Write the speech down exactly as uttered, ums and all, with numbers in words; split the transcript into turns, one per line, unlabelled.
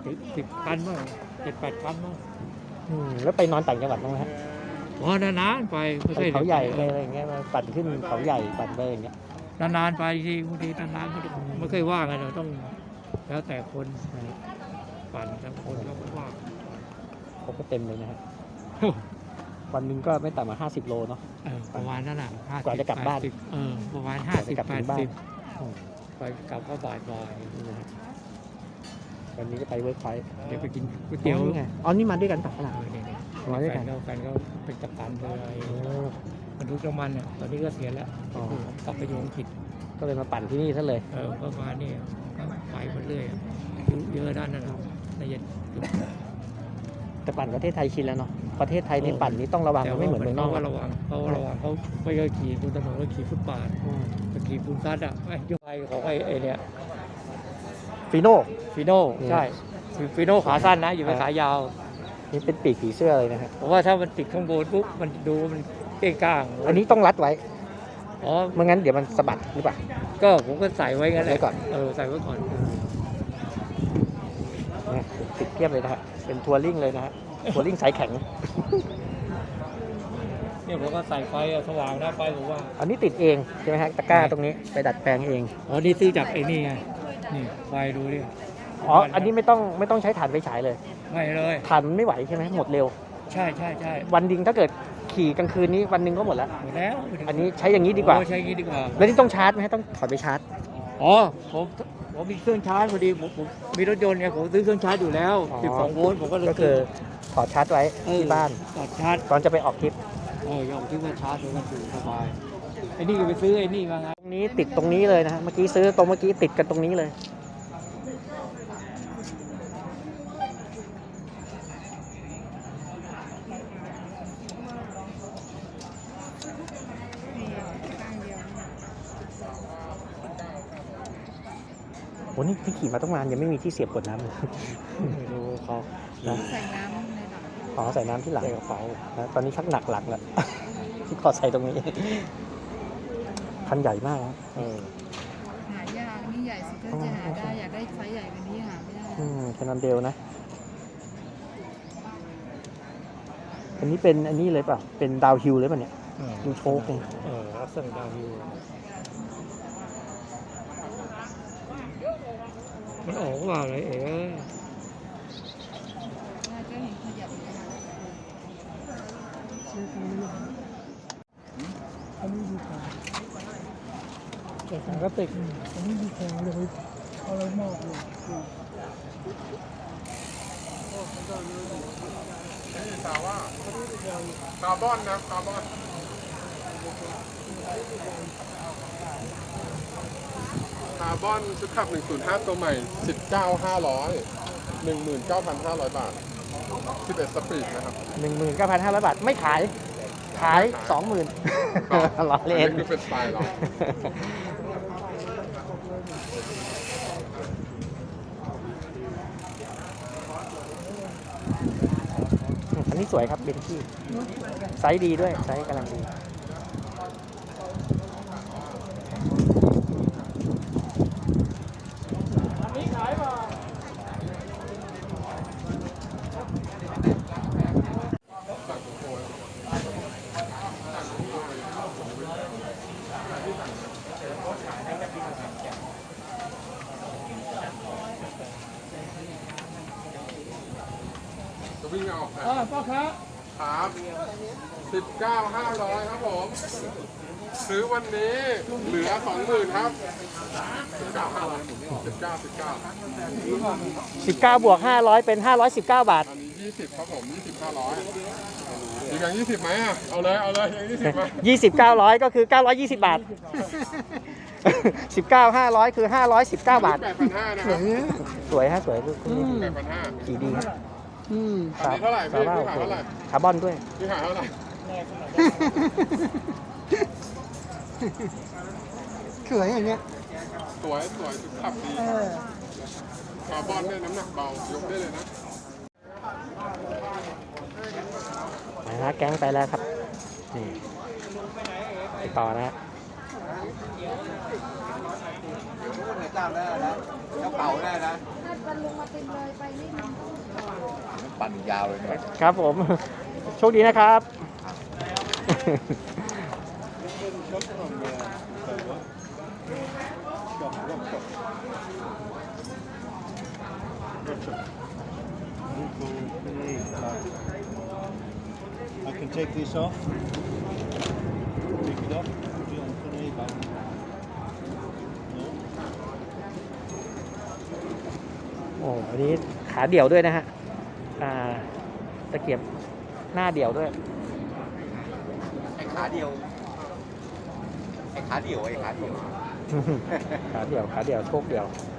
ถึงสิบคันมั้งเจ็ดแปดคันมั้ง
อืมแล้วไปนอนต่างจังหวัดบ้างไหมฮะ
อ๋อนานๆไปไม่
ไป
เคย
เขาใหญ่ไปอะไรอย่างเงี้ยมาปั่นขึ้นเขาใหญ่ปั่นไปอย่างเงี้ย
นานๆไปทีบางทีนานๆไม่ได้ไม่เคยว่ากันเราต้องแล้วแต่คนปั่นแต่คนเขาก็ว่า
เขาก็เต็มเลยนะฮะวันหนึ่งก็ไม่ต่ำกว่าห้าสิบโลเนาะ
เออประมาณนั้นแหละห้าสิบ
กว่าจะกลับบ้าน
แปดสิเออประมาณห้าสิบ
กลับ
แป
ถึ
ด
งบ้าน
สิบไปกลับก็บ่ายบ่าย
นี่นะฮะวันนี้จะไปเวิร์คพอยต์
เดี๋ยวไปกินก๋วยเตี๋ยว
นี่ไงอ๋อนี่มาด้วยกันปะขนาด
เออเนี่ย
มาด้วย
แฟ
กัน
นเขาแฟนเขาเป็นกัปตันเลย
โอ้
บรรทุกน้ำมันเนี่ยตอนนี้ก็เสียแล้ว
อ๋อ
กลับไปอยู่อังกฤษ
ก็เลยมาปั่นที่นี่ซะเลย
เออก็มาเนี่ยก็ไปหมดเลยเยอะด้านนั้นนะละเอียด
แต่ปั่นประเทศไทยชินแล้วเนาะประเทศไทยนี่ปั่นนี่ต้องระวังมันไม่เหมือนเมืองนอก
เขา
นะ
ระวังเขาระวังเขาไม่เคยขี่บนถนนก็ขี่ฟุตบาท
อืม
จะขี่ฟูลซัดอ่ะไอ้ยกไปของไอ้ไอ้เนี่ย
ฟีโน่
ฟีโน่
อืม
ใช่ฟีโน่ขาสั้นนะอยู่เป็น
ครับ
ขายาว
นี่เป็นปีกผีเสื้อเลยนะฮะ
เพราะว่าถ้ามันติดข้างบนปุ๊บมันดูมันเก้งก้าง
อันนี้ต้องรัดไว้
อ๋อ
ไม่งั้นเดี๋ยวมันสะบัดหรือเปล่า
ก็ผมก็ใส่ไว้งั้นแหละ
ไว้ก่อน
เออใส่ไว้ก่อน
เนี่ยติดเทียบเลยนะฮะเป็นทัวริ่งเลยนะฮะทัวริ่งสายแข็ง
เนี่ยผมก็ใส่ไฟอะสว่างนะไฟผมว่า
อันนี้ติดเองใช่ไหมฮะตะกร้าตรงนี้ไปดัดแปลงเอง
อ๋อนี่ซื้อจากไอ้นี่ไงนี่ไฟดูดิ
อ๋ออันนี้ไม่ต้องไม่ต้องใช้ถ่านไฟฉายเลย
ไม่เลย
ถ่านมันไม่ไหวใช่ไหมหมดเร็ว
ใช่ใช่ใช่
วันดิงถ้าเกิดขี่กลางคืนนี้วันหนึ่งก็หมดแล้ว
หมดแล้ว
อันนี้ใช้อย่างนี้ดีกว่า
โอ้ใช้อย่างนี้ดีกว่า
แล้วนี่ต้องชาร์จไหมฮะต้องถอดไปชาร์จ
อ๋อผมผมมีเครื่องชาร์จพอดีผมผมมีรถยนต์ไงผมซื้อเครื่องชาร์จอยู่แล้ว
อ๋อ
สิบสองโวลต์ผมก็เลย
ก็คือถอดชาร์จไว้ที่บ้าน
ถอดชาร์จ
ตอนจะไปออกทริป
เออยอมที่ว่าชาร์จเลยก็ถือสบายไอ้นี่ก็ไปซื้อไอ้นี่มาไง
ตรงนี้ติดตรงนี้เลยนะฮะเมื่อกี้ซื้อตรงเมื่อกี้ติดกันตรงนี้เลยโหนี่ที่ขี่มาต้องนานยังไม่มีที่เสียบกดน้ำเลย
ไม่รู้เขา
นะ
ใส่น้ำในหลัง
อ๋อใส่น้ำที่หลัง
ใส่กระเป๋า
นะตอนนี้ชักหนักหลังแล้ว ที่ขอใส่ตรงนี้ คันใหญ่มากนะ
เออ
หายากนี่ใหญ่สุดถ้าจะหาได้อยากได้ไซส์ใหญ่กว่านี้หาไม่ได้
อืมแคนนอนเดลนะ อันนี้เป็นอันนี้เลยเปล่าเป็นดาวฮิลเลยป่ะเนี่ย
เออ
ดูโชคเลย
เออลักษณะดาวฮิวมันออกว่าอะไรเอ๋
น่าจะเห็นขยับเลยนะ
อันนี้ดีกว่าแต่สังกติกอันนี้ดีกว่าเลยเอาอะไรมากเลย
สาวว่าคาร์บอนนะคาร์บอนคาร์บอนชุดขับหนึ่งศูนย์ห้าตัวใหม่ สิบเก้าพันห้าร้อย หนึ่งหมื่นเก้าพันห้าร้อย บาท สิบเอ็ด สปีดนะครับ
หนึ่งหมื่นเก้าพันห้าร้อยบาท ไม่ขาย ขายสองหมื่น ล้อเล่น
อันนี้คือเป็นสไตล์เรา
อันนี้สวยครับเบนที่ไซส์ดีด้วยไซส์กำลังดี
จะวิ่งเอาค
อ่าพ่อครับ
รับสิบเก้าพันห้าร้อย ครับผม ซื้อวันนี้เหลือ สองหมื่น ครับ สิบเก้าพันห้าร้อย สิบเก้า สิบเก้า
สิบเก้าบวกห้าร้อยเป็นห้าร้อยสิบเก้าบาท
อันนี้ยี่สิบครับผม ยี่สิบ ห้าร้อย อีกอย่างยี่สิบไหมอ่ะ เอาเลย เอาเลยอย่างยี่สิบไหม
ยี่สิบ เก้าร้อยก็คือเก้าร้อยยี่สิบบาท สิบเก้า ห้าร้อยคือห้าร้อยสิบเก้าบาท
แปดพันห้านะครับ
สวยฮะสวยลูกคุณนี่
แปดพันห้า
ขี่ดีครับ
อันนี้เท่าไหร่พี่
ซว่
พี่ขายเท่าไหร่
คาร์บอนด้วย
พี่ขายเท่าไหร่
สวยอย่างเงี้ย
สวยสวยสุดขับดีคาร์บอนเนี่ยน้ำหนักเบา ยกได้เลยนะ
นะฮะแก๊งไปแล้วครับ นี่ไปต่อนะฮะ
เจ้าได้นะเจ้าเป่าได้นะ
อ
วันลงมาเต็มเลยไปนี่มัน
ปั่นยาวเลยเนี่ย
ครับผม โชคดีนะครับ
I can take this off. Take it off. Put it on the back. No.
โอ้อันนี้ขาเดี่ยวด้วยนะฮะ อ่า ตะเกียบหน้าเดี่ยวด้วย
ไอ้ขาเดียว ไอ้ขาเดียว ไอ้ขาเดียว
ขาเดี่ยว ขาเดี่ยว โชคเดี่ยว
ไ